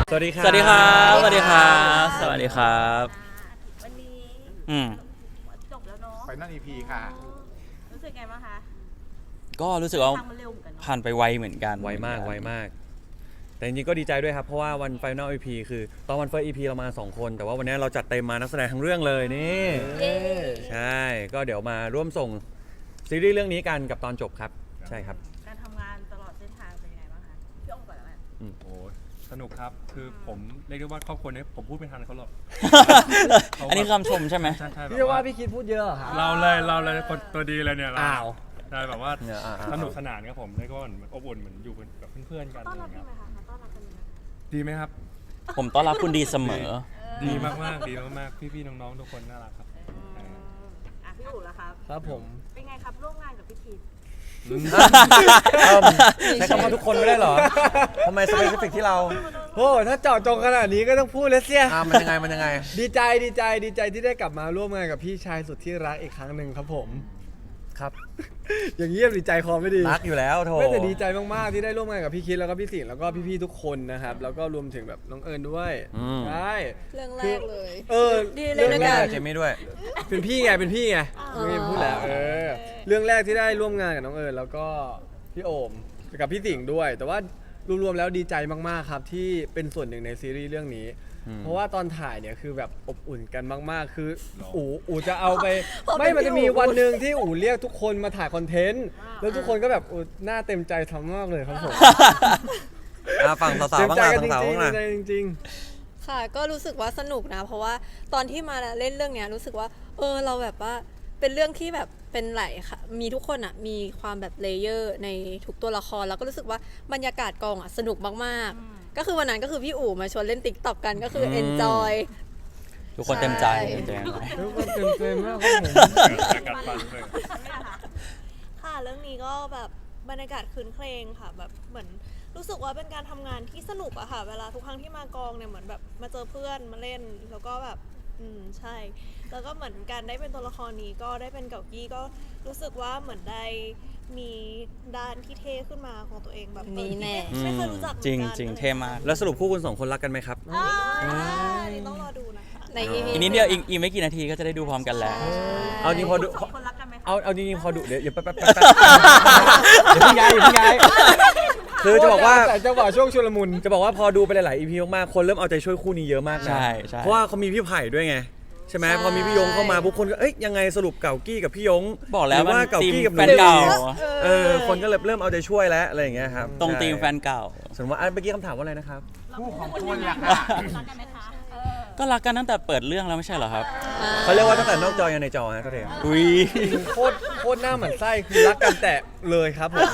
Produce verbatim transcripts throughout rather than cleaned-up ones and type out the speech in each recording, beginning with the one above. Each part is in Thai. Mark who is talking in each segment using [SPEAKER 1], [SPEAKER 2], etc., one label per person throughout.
[SPEAKER 1] สวัสดีครับ
[SPEAKER 2] สวัสดีครับสวัสดีครับสวัสดีครับ
[SPEAKER 3] วันนี้
[SPEAKER 2] อืม
[SPEAKER 3] จบแล้วเนาะ
[SPEAKER 4] ไฟนอล อี พี ค่ะ
[SPEAKER 3] รู้สึกไงบ้างคะ
[SPEAKER 2] ก็รู้สึกว่า
[SPEAKER 3] ทางมันเร็วเหมือนกันเนาะ
[SPEAKER 2] ผ่านไปไวเหมือนกัน
[SPEAKER 1] ไวมากไวมาก แต่จริงๆก็ดีใจด้วยครับ เพราะว่าวัน Final อี พี คือตอนวัน First อี พี เรามาสองคน แต่ว่าวันนี้เราจัดเต็มมานักแสดงทั้งเรื่องเลยนี่
[SPEAKER 3] เย้
[SPEAKER 1] ใช่ ก็เดี๋ยวมาร่วมส่งซีรีส์เรื่องนี้กันกับตอนจบครับ ใช่ครับ
[SPEAKER 3] การทำงานตลอดเส้นทางเป็นยังไงบ้างคะพี่อ้อมก่อนแล้วกัน
[SPEAKER 5] โอ้สนุกครับ คือผมเรียกได้ว่าครอบครัวนี้ผมพูดไม่ทันเขาหรอก
[SPEAKER 2] อันนี้คำชมใช่ไหม
[SPEAKER 5] ใช่ใช่
[SPEAKER 6] พี่ว่าพี่คิดพูดเยอะเหรอครับ
[SPEAKER 5] เราเลยเราเลยคนตัวดีเลยเนี่ยเร
[SPEAKER 6] อ้าว
[SPEAKER 5] ใช่แบบว่า
[SPEAKER 1] เนี่ยอ่าๆ
[SPEAKER 5] สนุกสนานครับผมเรียกว่าเหมือนอบอุ่นเหมือนอยู่กับเพื่อนๆกัน
[SPEAKER 3] ต้อน
[SPEAKER 5] อะไร
[SPEAKER 3] รับ
[SPEAKER 5] เงี้
[SPEAKER 3] ดี
[SPEAKER 5] ย
[SPEAKER 3] ไหมคะมาต้อนรับกันดีไหม
[SPEAKER 5] ดีไหมครับ
[SPEAKER 2] ผมต้อนรับคุณดีเสมอ
[SPEAKER 5] ดีมากๆดีมากๆพี่ๆน้องๆทุกคนน่ารักครับ
[SPEAKER 3] อืมอ่ะพี่อู๋ล่ะครับ
[SPEAKER 6] ครับผม
[SPEAKER 3] เป็นไงครับร่วมงานกับพี่คิด
[SPEAKER 1] เอิ่มใช้คำว่าทุกคนไม่ได้เหรอทำไมสเปซิฟิกที่เรา
[SPEAKER 6] โอ้ถ้าเจาะจงขนาดนี้ก็ต้องพูดเลยเสีย
[SPEAKER 1] อ่ามันยังไงมันยังไง
[SPEAKER 6] ดีใจดีใจดีใจที่ได้กลับมาร่วมงานกับพี่ชายสุดที่รักอีกครั้งหนึ่งครับผม
[SPEAKER 1] ครับ
[SPEAKER 6] อย่างเงียบดีใจคอไม่ดี
[SPEAKER 1] รักอยู่แล้วโถ
[SPEAKER 6] ไม่แต่ดีใจมากๆที่ได้ร่วมงานกับพี่คิดแล้วก็พี่สิงห์แล้วก็พี่ๆทุกคนนะครับแล้วก็รวมถึงแบบน้องเอิญด้วยใช่
[SPEAKER 7] เรื่องแรกเลย
[SPEAKER 6] เออ
[SPEAKER 7] ดีเลยนะ
[SPEAKER 6] แร
[SPEAKER 7] กั
[SPEAKER 6] ก
[SPEAKER 7] น
[SPEAKER 1] เจมี่ด้วย
[SPEAKER 6] เป็นพี่ไงเป็นพี่ไงไม่พูดแล้วเออเรื่องแรกที่ได้ร่วมงานกับน้องเอิญแล้วก็พี่โอมกับพี่สิงห์ด้วย แต่ว่ารวมๆแล้วดีใจมากๆครับที่เป็นส่วนหนึ่งในซีรีส์เรื่องนี้
[SPEAKER 1] อืม
[SPEAKER 6] เพราะว่าตอนถ่ายเนี่ยคือแบบอบอุ่นกันมากๆ คืออู๋อู๋จะเอาไป
[SPEAKER 7] พอเป็น
[SPEAKER 6] ไม่มันจะมี
[SPEAKER 7] พี่อู๋
[SPEAKER 6] วันหนึ่งที่อู๋เรียกทุกคนมาถ่ายคอนเทนต์แล้วทุกคนก็แบบอู๋หน้าเต็มใจทำมากเลยครับผม
[SPEAKER 1] อ่าฝั่งสาว
[SPEAKER 6] เต็
[SPEAKER 1] ๆ
[SPEAKER 6] ม
[SPEAKER 1] บ้าง
[SPEAKER 6] ใจ
[SPEAKER 1] ล่ะ
[SPEAKER 6] กันจ
[SPEAKER 1] ฝั่งสาว
[SPEAKER 6] ริง
[SPEAKER 1] บ้าง
[SPEAKER 6] ๆ
[SPEAKER 1] ล่ะ
[SPEAKER 6] เต็มใจจริง
[SPEAKER 7] ค่ะ ก็รู้สึกว่าสนุกนะ เพราะว่าตอนที่มาเล่นเรื่องเนี้ยรู้สึกว่า เออเราแบบว่าเป็นเรื่องที่แบบเป็นไหลค่ะ มีทุกคนอ่ะมีความแบบเลเยอร์ในทุกตัวละครแล้วก็รู้สึกว่าบรรยากาศกองอ่ะสนุกมากๆ ก็คือวันนั้นก็คือพี่อู๋มาชวนเล่นติ๊กต็อกกันก็คือ
[SPEAKER 1] ม
[SPEAKER 7] เอนจอย
[SPEAKER 2] ทุกคนเต็มใจ
[SPEAKER 7] ใช่
[SPEAKER 2] เต็มใจ
[SPEAKER 6] ๆทุกคนเต็มใจมากครับผม
[SPEAKER 5] กัดฟันเลย
[SPEAKER 8] ค่ะเรื่องนี้ก็แบบบรรยากาศคืนเครงค่ะแบบเหมือนรู้สึกว่าเป็นการทำงานที่สนุกอะค่ะเวลาทุกครั้งที่มากองเนี่ยเหมือนแบบมาเจอเพื่อนมาเล่นแล้วก็แบบอืมใช่ แล้วก็เหมือนการได้เป็นตัวละครนี้ก็ได้เป็นเก่ากี้ก็รู้สึกว่าเหมือนได้มีด้านที่เท่ขึ้นมาของตัวเองแบบ
[SPEAKER 7] นี่แน่
[SPEAKER 8] ไม่เคยรู้จักหมือน
[SPEAKER 2] จริง
[SPEAKER 8] กัน
[SPEAKER 2] จริงเท่มาก
[SPEAKER 1] แล้วสรุปคู่คุณสองคนรักกันไหมครับ
[SPEAKER 8] อ่าอันนี้ต้องรอดูนะคะ
[SPEAKER 7] ใน อี พี
[SPEAKER 2] อีกนิดเดียวอีกอีกไม่กี่นาทีก็จะได้ดูพร้อมกันแล้ว
[SPEAKER 1] เอาจริงพอดู
[SPEAKER 3] สองคนรักกันไหมคะ
[SPEAKER 1] เอาเอาจริงๆพอดูเดี๋ยวอย่าแป๊บแป๊บแป๊บแป๊บอย่าเพิ่งย้ายอย่าเพิ่งย้ายคือจะบอกว่า
[SPEAKER 6] แต่จังหวะช่วงชุลมุน
[SPEAKER 1] จะบอกว่าพอดูไปหลายๆ อี พี มากๆ คนเริ่มเอาใจช่วยคู่นี้เยอะมากนะ
[SPEAKER 2] ใช่ใช่
[SPEAKER 1] เพราะว่าเขามีพี่ไผ่ด้วยไง ใช่ไหม
[SPEAKER 7] ใช่
[SPEAKER 1] พอมีพี่ยงเข้ามาบุคคลก็เอ้ยยังไงสรุปเก่ากี้กับพี่ยง
[SPEAKER 2] บอกแล้ว
[SPEAKER 1] หรืว่า
[SPEAKER 2] มัน
[SPEAKER 1] เก่า
[SPEAKER 2] ทีม
[SPEAKER 1] กี้กับ
[SPEAKER 2] แฟนเก่า
[SPEAKER 1] เออคนก็เริ่มเริ่มเอาใจช่วยแล้วอะไรอย่างเงี้ยครับ
[SPEAKER 2] ตรง
[SPEAKER 1] ใช่
[SPEAKER 2] ทีมแฟนเก่า
[SPEAKER 1] ส่วนว่าอันเมื่อกี้คำถามว่าอะไรนะครับ
[SPEAKER 4] คู่ของคุณล่ะ
[SPEAKER 3] รักกันไหมคะเออ
[SPEAKER 2] ก็รักกันตั้งแต่เปิดเรื่องแล้วไม่ใช่เหรอครับ
[SPEAKER 1] เขาเรียกว่าตั้งแต่นอกจอยันในจอฮะก็เถอะ
[SPEAKER 2] อุ้ย
[SPEAKER 6] โคตรโคตรหน้าเหมือนไส้คือรักกันแต่เลยครับผม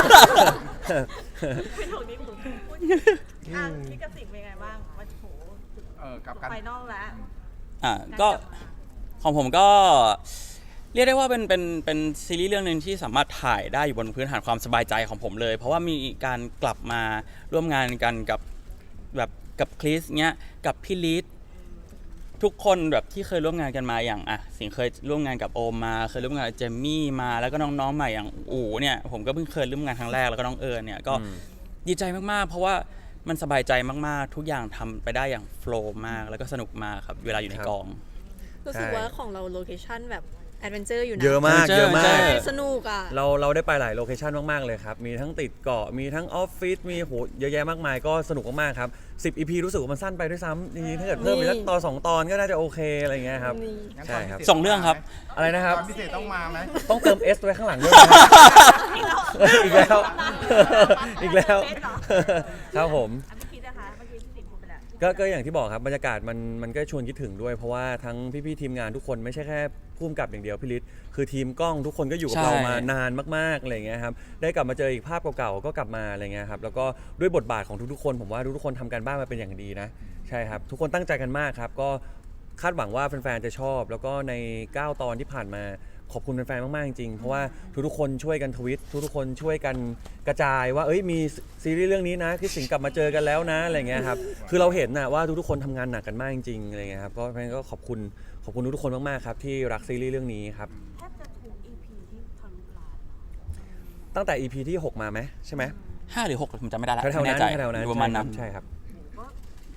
[SPEAKER 3] ไม่ถูกนี่ถูกพูดอ่ะพี่กระสิงเป็นไงบ้างวันโห
[SPEAKER 4] เออกับกัน
[SPEAKER 3] ไฟนอลแล้ว
[SPEAKER 2] อ่ะก็ของผมก็เรียกได้ว่าเป็นเป็นเป็นซีรีส์เรื่องหนึ่งที่สามารถถ่ายได้อยู่บนพื้นฐานความสบายใจของผมเลย เพราะว่ามีการกลับมาร่วมงานกันกับแบบกับคริสเนี้ยกับพี่ลิศทุกคนแบบที่เคยร่วมงานกันมาอย่างอ่ะสิงห์เคยร่วมงานกับโอมมาเคยร่วมงานกับเจมมี่มาแล้วก็น้องๆใหม่อย่างอู๋เนี่ยผมก็เพิ่งเคยร่วมงานครั้งแรกแล้วก็น้องเอิญเนี่ยก็
[SPEAKER 1] อืม
[SPEAKER 2] ดีใจมากๆ เพราะว่ามันสบายใจมากๆ ทุกอย่างทำไปได้อย่างโฟล์มากแล้วก็สนุกมากครับเวลาอยู่ในกอง
[SPEAKER 7] รู้สึกว่าของเราโลเคชั่นแบบแอดเวนเจอร์อยู่นะ
[SPEAKER 1] เยอะมาก
[SPEAKER 2] เจอ
[SPEAKER 1] เยอะมา
[SPEAKER 2] เจ
[SPEAKER 1] ก
[SPEAKER 2] อ
[SPEAKER 7] สนุกอ่ะ
[SPEAKER 1] เราเราได้ไปหลายโลเคชันมาก ๆ เลยครับ มีทั้งติดเกาะ มีทั้งออฟฟิศ มีโหเยอะแยะมากมายก็สนุกมาก ๆ ครับ สิบ อี พี รู้สึกว่ามันสั้นไปด้วยซ้ำจริงๆถ้าเกิดเพิ่มอีกสักตอนสองตอนก็น่าจะโอเค อะไรอย่างเงี้ยครับ
[SPEAKER 7] นี่
[SPEAKER 4] งั้น
[SPEAKER 1] ใช่ครับ
[SPEAKER 4] ตนพิเศษ
[SPEAKER 2] สองเรื่องครับ
[SPEAKER 1] อะไรนะครับ
[SPEAKER 4] ตอนพิเศษต้องมาไหม
[SPEAKER 1] ต้องเติม S ไว้ข้างหลังด้วยนะครับอีกแล้ว อีกแล้ว ครับผม
[SPEAKER 3] อ่ะพี่คิดนะคะเมื่อกี้พี่สิงห์พูดไปแล้ว
[SPEAKER 1] ก็ก็อย่างที่บอกครับบรรยากาศมันมันก็ชวนคิดถึงด้วย เพราะว่าทั้งพี่ๆทีมงานทุกคนไม่ใช่แค่ผู้กำกับอย่างเดียวพี่ฤทธิ์คือทีมกล้องทุกคนก็อยู่กับ
[SPEAKER 2] ใช่
[SPEAKER 1] เรามานานมากๆอะไรอย่างเงี้ยครับได้กลับมาเจออีกภาพเก่าๆก็กลับมาอะไรเงี้ยครับแล้วก็ด้วยบทบาทของทุกๆคนผมว่าทุกๆคนทำการบ้านมาเป็นอย่างดีนะใช่ครับทุกคนตั้งใจกันมากครับก็คาดหวังว่าแฟนๆจะชอบ แล้วก็ในเก้าตอนที่ผ่านมาขอบคุณแฟนๆมากๆจริงๆเพราะว่าทุกๆคนช่วยกันทวิตทุกๆคนช่วยกันกระจายว่าเอ้ยมีซีรีส์เรื่องนี้นะที่สิงห์กลับมาเจอกันแล้วนะอะไรเงี้ยครับคือเราเห็นนะว่าทุกๆคนทำงานหนักกันมากจริงๆอะไรเงี้ยครับก็เพราะฉะนั้นก็ขอบคุณขอบคุณทุกๆคนมากๆครับที่รักซีรีส์เรื่องนี้ครับ
[SPEAKER 3] แทบจะถูก อี พี ที่ทะลุล้าน
[SPEAKER 1] ตั้งแต่ อี พี ที่หกมาไหมใช่ไหม
[SPEAKER 2] ห้าหรือหกผมจำไม่ได้ละ
[SPEAKER 1] แถวๆ
[SPEAKER 2] ไม่
[SPEAKER 1] นั้น
[SPEAKER 2] แน่ใจ
[SPEAKER 1] แถวๆนั้น
[SPEAKER 2] อยู่ประมาณนั้น
[SPEAKER 1] ใช่ครับ
[SPEAKER 3] ก็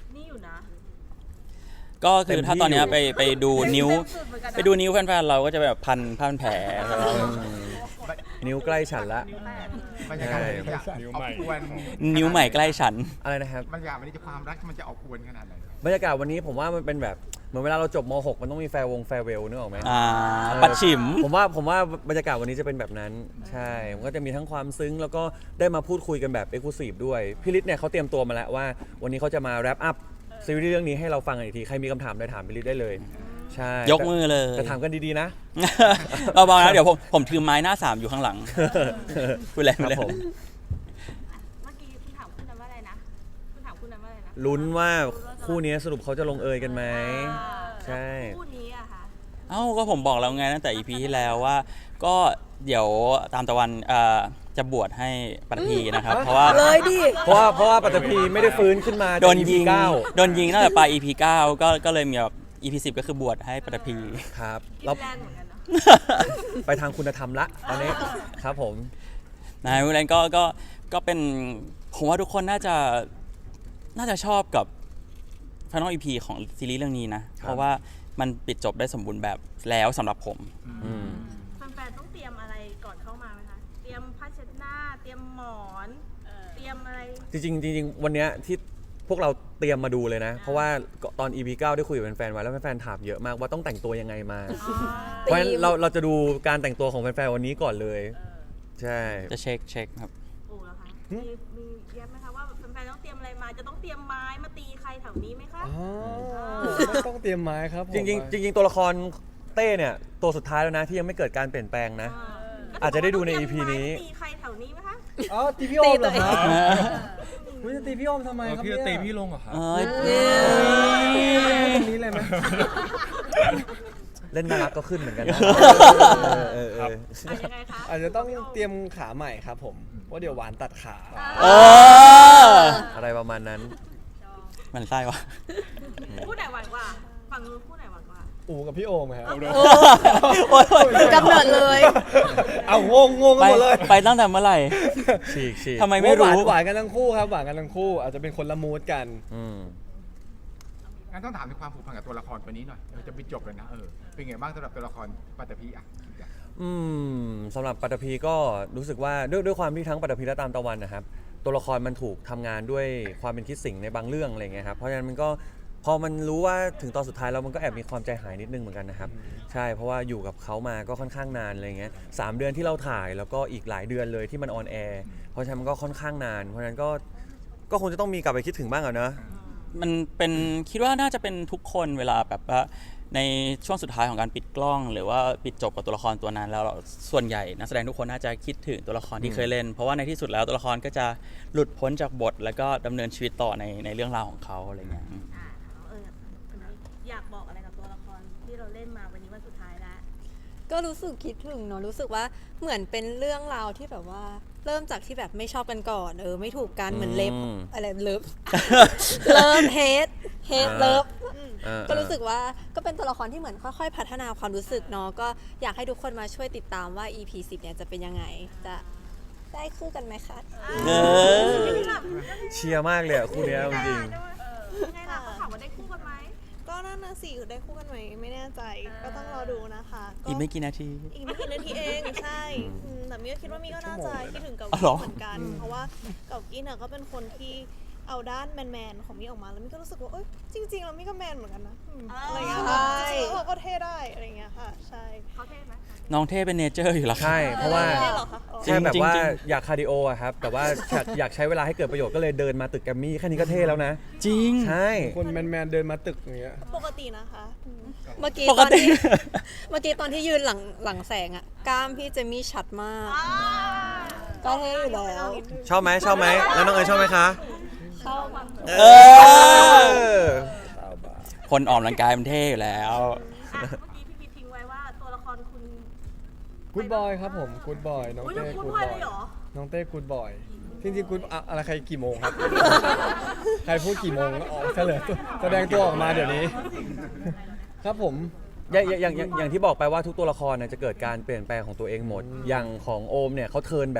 [SPEAKER 2] ก็คือถ้าตอนเนี้ย
[SPEAKER 1] เต็มที่
[SPEAKER 2] ไปไปดูนิ้ว
[SPEAKER 3] สุดเหมือนกันนะ
[SPEAKER 2] ไปดูนิ้วแฟนๆเราก็จะแบบพันผ้าพันแผล
[SPEAKER 1] นิ้วใกล้ฉันละ
[SPEAKER 4] บรรยากาศ
[SPEAKER 1] ใช่
[SPEAKER 4] มันจะ
[SPEAKER 5] นิ้ว
[SPEAKER 4] ออ
[SPEAKER 5] ใหม่
[SPEAKER 4] กอวน
[SPEAKER 2] นิ้วใหม่ใกล้ฉัน
[SPEAKER 1] อะไรนะครับ
[SPEAKER 4] บรรยากาศวันนี้จะความรักมันจะออกอวนขนาดไหน
[SPEAKER 1] บรรยากาศวันนี้ผมว่ามันเป็นแบบเหมือนเวลาเราจบม หก มันต้องมีแฟร์วงแฟร์เวลนึกออกไหม
[SPEAKER 2] อ่า
[SPEAKER 1] เออ
[SPEAKER 2] ปัดฉิม
[SPEAKER 1] ผมว่าผมว่าบรรยากาศวันนี้จะเป็นแบบนั้น ใช่มันก็จะมีทั้งความซึ้ง แล้วก็ได้มาพูดคุยกันแบบเอ็กซ์คลูซีฟด้วยพี่ฤทธิ์เนี่ยเขาเตรียมตัวมาแล้วว่า วันนี้เขาจะมาแรปอัพซีรีส์เรื่องนี้ให้เราฟังกันอีกทีใครมีคำถามได้ถามพี่ฤทธิ์ได้เลยใช่
[SPEAKER 2] ยกมือเลย
[SPEAKER 1] แต่ถามกันดีๆนะ
[SPEAKER 2] เบาๆนะเดี๋ยวผมผมถือไม้หน้าสามอยู่ข้างหลังพูดเลย
[SPEAKER 1] ค
[SPEAKER 2] พู
[SPEAKER 1] รั
[SPEAKER 2] ดเลย
[SPEAKER 1] บผม
[SPEAKER 3] เมื่อกี้คุณถามคุณนั้นว่าอะไรนะคุณถามคุณนั้นว่าอะไรนะ
[SPEAKER 1] ลุ้นว่าคู่นี้สรุปเขาจะลงเอยกันไหม ใช่
[SPEAKER 3] คู่นี้อะค่ะ
[SPEAKER 2] เอ้าก็ผมบอกแล้วไงตั้งแต่ อี พี ที่แล้วว่า ก็เดี๋ยวตามตะวันเอ่อจะบวชให้ปัตภีนะครับ เพราะว่า
[SPEAKER 7] เลยดิ
[SPEAKER 1] เพราะว่าเพราะว่าปัตตภีไม่ได้ฟื้นขึ้นมาจาก
[SPEAKER 2] โดนยิง
[SPEAKER 1] อี พีเก้า
[SPEAKER 2] โดนยิงตั้งแต่ปลาย อี พี เก้าก็ก็เลยมีแบบ อี พี สิบก็คือบวชให้ปัตภี
[SPEAKER 1] ครับ
[SPEAKER 3] กิ
[SPEAKER 1] เรา
[SPEAKER 3] นแรงเหมือนกันเนาะ
[SPEAKER 1] ไปทางคุณธรรมละตอนนี้ครับผม
[SPEAKER 2] นายวิเลนก็ก็ก็เป็นผมว่าทุกคนน่าจะน่าจะชอบกับ Final อี พี ของซีรีส์เรื่องนี้นะ
[SPEAKER 1] ครับ
[SPEAKER 2] เพราะว่ามันปิดจบได้สมบูรณ์แบบแล้วสำหรับผม
[SPEAKER 1] อืม
[SPEAKER 3] แฟนๆต้องเตรียมอะไรก่อนเข้ามาไหมคะ เตรียมผ้าเช็ดหน้า เตรียมหมอน เตรียมอะไร
[SPEAKER 1] จริงๆจริงๆวันเนี้ยที่พวกเราเตรียมมาดูเลยนะ เพราะว่าตอน อี พี เก้าได้คุยกับแฟนๆไว้แล้วแฟนๆถามเยอะมากว่าต้องแต่งตัวยังไงมา เพราะฉะนั้นเราเราจะดูการแต่งตัวของแฟนๆวันนี้ก่อนเลย ใช่
[SPEAKER 2] จะเช็คเช็คครับ
[SPEAKER 3] โอ้แล้วคะมีมีเย็บไหมคะว่าแฟนๆต้องเตรียมอะไรมา จะต้องเตรียมไม้มาตีใครแถวนี้ไหมคะ
[SPEAKER 6] อ๋อไม่ต้องเตรียมไม้ครับผม
[SPEAKER 1] จริงๆจริงๆตัวละครเต้เนี่ยตัวสุดท้ายแล้วนะที่ยังไม่เกิดการเปลี่ยนแปลงนะ
[SPEAKER 3] ก็
[SPEAKER 1] อาจจะได้ดูใน อี พี
[SPEAKER 3] ต้งเตรียมไม้
[SPEAKER 1] นี้
[SPEAKER 3] มาตีใครแถวนี้ไหมคะ
[SPEAKER 6] อ๋อตีพี่โอมเหรอครับคุณจะตีพี่โอมทำไม
[SPEAKER 5] เออ
[SPEAKER 6] ครับ
[SPEAKER 5] พี่
[SPEAKER 6] เนี่ย
[SPEAKER 5] จะตีพี่ลงเหรอครับ
[SPEAKER 2] เอ้ย
[SPEAKER 6] ตรงนี้เลยไหม
[SPEAKER 1] เล่นน่ารักก็ขึ้นเหมือนกันนะเออเออเออ
[SPEAKER 3] อ่ะยังไงคะ
[SPEAKER 6] อาจจะต้องเตรียมขาใหม่ครับผมเพราะเดี๋ยวหวานตัดขา
[SPEAKER 2] เออ
[SPEAKER 1] อะไรประมาณนั้น
[SPEAKER 2] มันไส้วะ
[SPEAKER 3] คู่ไหนหวานกว่า ฝั่งนู้นคู่ไหนหวานกว่า
[SPEAKER 6] อูกับพี่โอมครับ
[SPEAKER 2] โอ๊ยโอ๊ย
[SPEAKER 7] กำเนิดเลย
[SPEAKER 6] เอางงงงกัน
[SPEAKER 2] ไป
[SPEAKER 6] หมดเลย
[SPEAKER 2] ไปตั้งแต่เมื่อไหร่
[SPEAKER 1] ฉีกฉีก
[SPEAKER 2] ทำไมไม่รู้
[SPEAKER 6] หวานหวานกันทั้งคู่ครับหวานกันทั้งคู่อาจจะเป็นคนละมูดกัน
[SPEAKER 1] อืม
[SPEAKER 4] งั้นต้องถามถึงความผูกพันกับตัวละครตัวนี้หน่อยเออจะไปจบเลยนะเออเป็นไงบ้างสำหรับตัวละครปัตตภีอ่ะ
[SPEAKER 1] อืมสำหรับปัตตภีก็รู้สึกว่าด้วยด้วยความที่ทั้งปัตตภีและตามตะวันนะครับ ตัวละครมันถูกทำงานด้วยความเป็นคิดสิ่งในบางเรื่องอะไรเงี้ยครับเพราะฉะนั้นมันก็พอมันรู้ว่าถึงตอนสุดท้ายแล้วมันก็แอบมีความใจหายนิดนึงเหมือนกันนะครับใช่เพราะว่าอยู่กับเขามาก็ค่อนข้างนานอะไรเงี้ยสามเดือนที่เราถ่ายแล้วก็อีกหลายเดือนเลยที่มันออนแอร์เพราะฉะนั้นมันก็ค่อนข้างนาน เพราะฉะนั้นก็ก็คงจะต้องมีกลับไปคิดถึงบ้างอะเนอะ
[SPEAKER 2] มันเป็นคิดว่าน่าจะเป็นทุกคนเวลาแบบว่าในช่วงสุดท้ายของการปิดกล้อง หรือว่าปิดจบกับตัวละครตัวนั้นแล้วเราส่วนใหญ่นักแสดงทุกคนน่าจะคิดถึงตัวละครที่เคยเล่น เพราะว่าในที่สุดแล้วตัวละครก็จะหลุดพ้นจากบท แล้วก็ดำเนินชีวิตต่อในในเรื่องราวของเขาอะไรเงี้ย
[SPEAKER 3] อ่าเออวันนี้อยากบอกอะไรกับตัวละครที่เราเล่นมาวันนี้วันสุดท้ายแล้ว
[SPEAKER 7] ก็รู้สึกคิดถึงเนาะรู้สึกว่าเหมือนเป็นเรื่องราวที่แบบว่า เริ่มจากที่แบบไม่ชอบกันก่อนเออไม่ถูกกันเหมือนเล็บ
[SPEAKER 1] อืม
[SPEAKER 7] อะไรเลิฟ เลิฟเฮดเฮดเลิฟ
[SPEAKER 1] อ่า
[SPEAKER 7] ก็รู้สึกว่าก็เป็นตัวละครที่เหมือนค่อยๆ พัฒนาความรู้สึกเนาะก็อยากให้ทุกคนมาช่วยติดตามว่า อี พี สิบเนี่ยจะเป็นยังไงจะได้คู่กันไหมคะ
[SPEAKER 2] เออ
[SPEAKER 1] เชียร์มากเลยอะคู่เนี้ยจริง
[SPEAKER 3] ไงล่ะเขาถามว่าได้คู่กันไหม
[SPEAKER 8] ก็นั่นนะสิได้คู่กันไหมไม่แน่ใจก็ต้องรอดูนะคะก็
[SPEAKER 2] อีกไม่กี่นาที
[SPEAKER 8] อีกไม่กี่นาทีเองใช่อืมแต่มี่ก็คิดว่ามี่ก็น่าจะคิดถึงกับ
[SPEAKER 2] อ๋อเหรอ
[SPEAKER 8] เหมือนกัน เพราะว่ากับกินอ่ะก็เป็นคนที่เอาด้านแมนๆของมี่ออกมาแล้วมี่ก็รู้สึกว่าเอ้ยจริงๆแล้วมี่ก็แมนเหมือนกันนะอืมอะไรเงี้ยค่ะจริงๆแล้วเราก็เท่ได้อะไรเงี้ยค่ะใช่
[SPEAKER 3] เขาเท่ไหม
[SPEAKER 2] น้องเท่เป็นเนเจอร์อยู่แล้ว
[SPEAKER 1] ๆ ใช่เพราะว่า
[SPEAKER 8] เท่เหรอคะอ๋อ
[SPEAKER 1] ใช่แบบว่า
[SPEAKER 2] จริง
[SPEAKER 1] อยากคาร์ดิโออะครับ แต่ว่าอยากอยากใช้เวลาให้เกิดประโยชน์ก็เลยเดินมาตึกแกรมมี่แค่นี้ก็เท่แล้วนะ
[SPEAKER 2] จริง
[SPEAKER 1] ใช่
[SPEAKER 6] คนแมนๆเดินมาตึกอย่างเงี้ย
[SPEAKER 8] ปกตินะคะอืม
[SPEAKER 7] เมื่อกี้
[SPEAKER 2] ป
[SPEAKER 7] ต
[SPEAKER 2] ก
[SPEAKER 7] อน
[SPEAKER 2] ติ
[SPEAKER 7] ที่ เมื่อกี้ตอนที่ยืนหลังหลังแสงอะกล้ามพี่เจมี่ชัดมาก ก็เท่อยู่แล้ว
[SPEAKER 1] ชอบไหมชอบไหมแล้วน้องเอ๋ยชอบไหมคะ
[SPEAKER 7] เข้ามา
[SPEAKER 2] เอ
[SPEAKER 1] เอ
[SPEAKER 2] อ
[SPEAKER 1] อ
[SPEAKER 2] คนออกกำลังกายมันเท่อยู่แล้ว
[SPEAKER 3] อ่ะเมื่อกี้พี่พีทิ้งไว้ว่าตัวละครคุณ
[SPEAKER 6] กูดบอยครับผมกูดบอยน้อง
[SPEAKER 3] อุ้ย
[SPEAKER 6] เต้
[SPEAKER 3] คุณ
[SPEAKER 6] กูด
[SPEAKER 3] พลอย
[SPEAKER 6] บอ
[SPEAKER 3] เลย ยเหรอ
[SPEAKER 6] น้องเต้กูดบอยจริงๆกูดอะอะไรใครกี่โมงครับ ใครพูดกี่โมงออกเฉลยตัวแสดงตัวออกมาเดี๋ยวนี้ ครับผม
[SPEAKER 1] อย่างอย่างอย่างอย่างที่บอกไปว่าทุกตัวละครเนี่ยจะเกิดการเปลี่ยนแปลงของตัวเองหมด อย่างของโอมเนี่ยเขาเทิร์นแบบ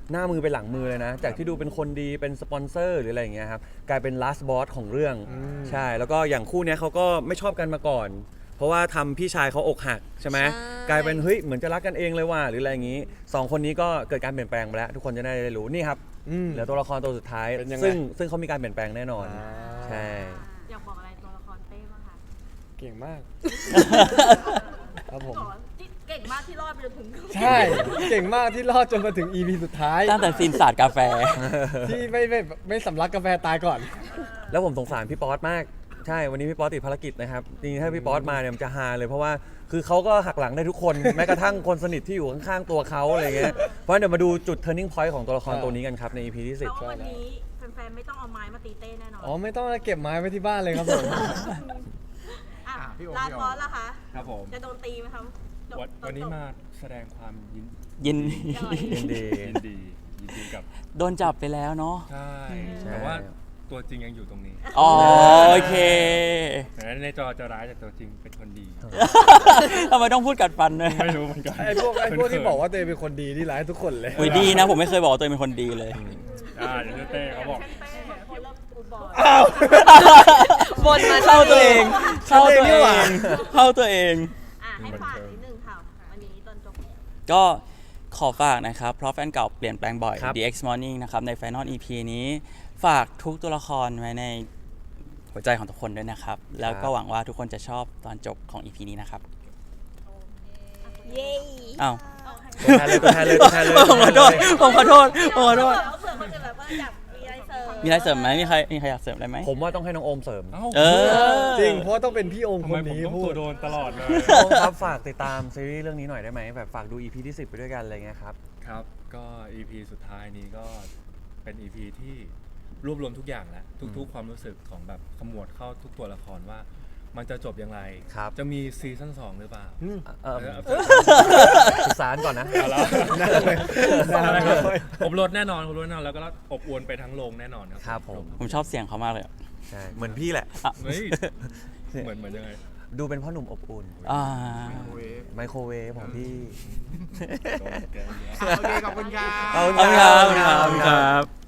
[SPEAKER 1] หน้ามือเป็นหลังมือเลยนะ จากที่ดูเป็นคนดีเป็นสปอนเซอร์หรืออะไรอย่างเงี้ยครับกลายเป็น last boss ของเรื่อง
[SPEAKER 6] อืม
[SPEAKER 1] ใช่แล้วก็อย่างคู่เนี้ยเขาก็ไม่ชอบกันมาก่อน เพราะว่าทำพี่ชายเขาอกหักใช่ไหม
[SPEAKER 7] ใช่
[SPEAKER 1] กลายเป็นเฮ้ยเหมือนจะรักกันเองเลยว่ะหรืออะไรอย่างงี้สองคนนี้ก็เกิดการเปลี่ยนแปลงไปแล้ว ทุกคนจะได้รู้นี่ครับ
[SPEAKER 6] อืม
[SPEAKER 1] เหลือตัวละครตัวสุดท้าย
[SPEAKER 6] เป็นยังไง
[SPEAKER 1] ซึ่งซึ่งเขามีการเปลี่ยนแปลงแน่นอน
[SPEAKER 6] อ่า
[SPEAKER 1] ใช่
[SPEAKER 3] อยากบอกอะไรตัวละครเต้บ้างคะ
[SPEAKER 6] เก่งมาก ครับผม
[SPEAKER 3] บอกว่าที่เก่งมากที่รอดไปจนถึง
[SPEAKER 6] ใช่ เก่งมากที่รอดจนมาถึง อี พี สุดท้าย
[SPEAKER 2] ตั้งแต่ซีนสาดกาแฟ
[SPEAKER 6] ที่ไม่ไม่ไม่สำลักกาแฟตายก่อน
[SPEAKER 1] แล้วผมสงสารพี่ป๊อตมากใช่วันนี้พี่ป๊อตติดภารกิจนะครับจริงๆถ้าพี่ป๊อตมาเนี่ยมันจะฮาเลยเพราะว่าคือเขาก็หักหลังได้ทุกคน แม้กระทั่งคนสนิทที่อยู่ข้างๆตัวเขาอะไรเงี้ยเพราะฉะนั้นเดี๋ยวมาดูจุด turning point ของตัวละครตัวนี้กันครับใน อี พี ที่สิบ
[SPEAKER 3] แล้ววันนี้แฟนๆไม่ต้องเอาไม้มาตีเต้แน่นอน
[SPEAKER 6] อ๋อ ไม่ต้องเก็บไม้ไว้ที่บ้านเลยครับผม
[SPEAKER 3] อ่ะ
[SPEAKER 4] อ่ะพี่โอม
[SPEAKER 3] ลา
[SPEAKER 4] พี่โอม
[SPEAKER 3] บอสล่ะคะ
[SPEAKER 5] ครับผม
[SPEAKER 3] จะโดนตีไหมครับจบ
[SPEAKER 5] วัน
[SPEAKER 3] จบ
[SPEAKER 5] วันนี้
[SPEAKER 3] จบ
[SPEAKER 5] มาแสดงความยิน
[SPEAKER 2] ยิน
[SPEAKER 1] ยินดี
[SPEAKER 5] ยินดียินดีกับ
[SPEAKER 2] โดนจับไปแล้วเนาะ
[SPEAKER 5] ใช่
[SPEAKER 1] ใช่
[SPEAKER 5] แต่ว่าตัวจริงยังอยู่ตรงนี้
[SPEAKER 2] อ๋อโอเค
[SPEAKER 5] แต่ในจอจะร้ายแต่ตัวจริงเป็นคนดี
[SPEAKER 2] ทำไมต้องพูดกัดฟันด้วย
[SPEAKER 5] ไม่รู้เหมือนกัน
[SPEAKER 6] ไอ้พวกไอ้พวกที่บอกว่าตัวเองเป็นคนดีที่ร้ายทุกคนเลย
[SPEAKER 2] อุ้ยดีนะ ผมไม่เคยบอกว่าตัวเองเป็นคนดีเลย
[SPEAKER 5] อ่าเดี๋ยวเต้เขาบอก
[SPEAKER 3] เต้คนเริ่มกูบอย
[SPEAKER 6] อ้าว
[SPEAKER 7] บนมา
[SPEAKER 2] เข้าตัวเอง เข้าตัวเอ
[SPEAKER 6] นี่หว่า
[SPEAKER 2] ง เข้าตัวเอง
[SPEAKER 3] อ่ะให้ฝากนิดนึงค่ะ วันนี้ตอนจบ
[SPEAKER 2] ก็ขอฝากนะครับ เพราะแฟนเก่าเปลี่ยนแปลงบ่อย
[SPEAKER 1] ครับ
[SPEAKER 2] The X Morning นะครับ ใน Final อี พี นี้ ฝากทุกตัวละครไว้ในหัวใจของทุกคนด้วยนะครับ แล้วก็หวังว่าทุกคนจะชอบตอนจบของ อี พี นี้นะครับ
[SPEAKER 8] เย้
[SPEAKER 2] อ้าว
[SPEAKER 1] ตัวแทนเลยตัวแทนเลยตัวแทนเลย
[SPEAKER 2] ผมขอโทษ ผมขอโทษ ผมขอโทษ
[SPEAKER 3] เผื่อคนอื่นแบบว่าอยากมีอะไรเสริม
[SPEAKER 2] มีอะไรเสริมไหมมีใครมีใครอยากเสริมอะไรไหม
[SPEAKER 1] ผมว่าต้องให้น้องโอมเสริม
[SPEAKER 5] เอ้า
[SPEAKER 2] เออ
[SPEAKER 6] จริง เพราะต้องเป็นพี่โอม
[SPEAKER 5] ทำ
[SPEAKER 6] ค
[SPEAKER 5] ไม
[SPEAKER 6] น
[SPEAKER 5] ผม
[SPEAKER 6] นี้
[SPEAKER 5] ต้อง
[SPEAKER 6] พู
[SPEAKER 5] ตั
[SPEAKER 6] ด
[SPEAKER 5] วโดนตลอดเลย
[SPEAKER 1] โอมครับฝากติดตามซีรีส์เรื่องนี้หน่อยได้ไหมแบบฝากดู อี พี ที่สิบไปด้วยกันอะไรเงี้ยครับ
[SPEAKER 5] ครับ ก็ อี พี สุดท้ายนี้ก็เป็น อี พี ที่รวบรวมทุกอย่างแล้วทุกๆ ความรู้สึกของแบบขมวดเข้าทุกตัวละครว่า มันจะจบอย่างไร
[SPEAKER 1] ครับ
[SPEAKER 5] จะมีซีซั่นสองหรือเปล่า
[SPEAKER 6] อืม
[SPEAKER 1] เออ
[SPEAKER 5] เออ
[SPEAKER 1] ศึกษาก่อนนะ
[SPEAKER 5] เอาแล้ว
[SPEAKER 6] นั่นเลยนั่นเลย
[SPEAKER 5] อบรสแน่นอนอบรสแน่นอนแล้วก็อบอวนไปทั้งโรงแน่นอน
[SPEAKER 1] ครับผม
[SPEAKER 2] ผมชอบเสียงเขามากเลย
[SPEAKER 1] ใช่เหมือนพี่แหละ
[SPEAKER 5] เฮ้ยเหมือนเหมือนยังไง
[SPEAKER 1] ดูเป็นพ่อหนุ่มอบอุ่น
[SPEAKER 2] อ่า
[SPEAKER 4] เวฟ
[SPEAKER 1] ไมโครเวฟของพี่
[SPEAKER 5] โดนแกล้งเยอะ
[SPEAKER 4] โอเค ขอบคุณครับ
[SPEAKER 1] ขอบ
[SPEAKER 2] ขอบคุณครับขอบคุณครับ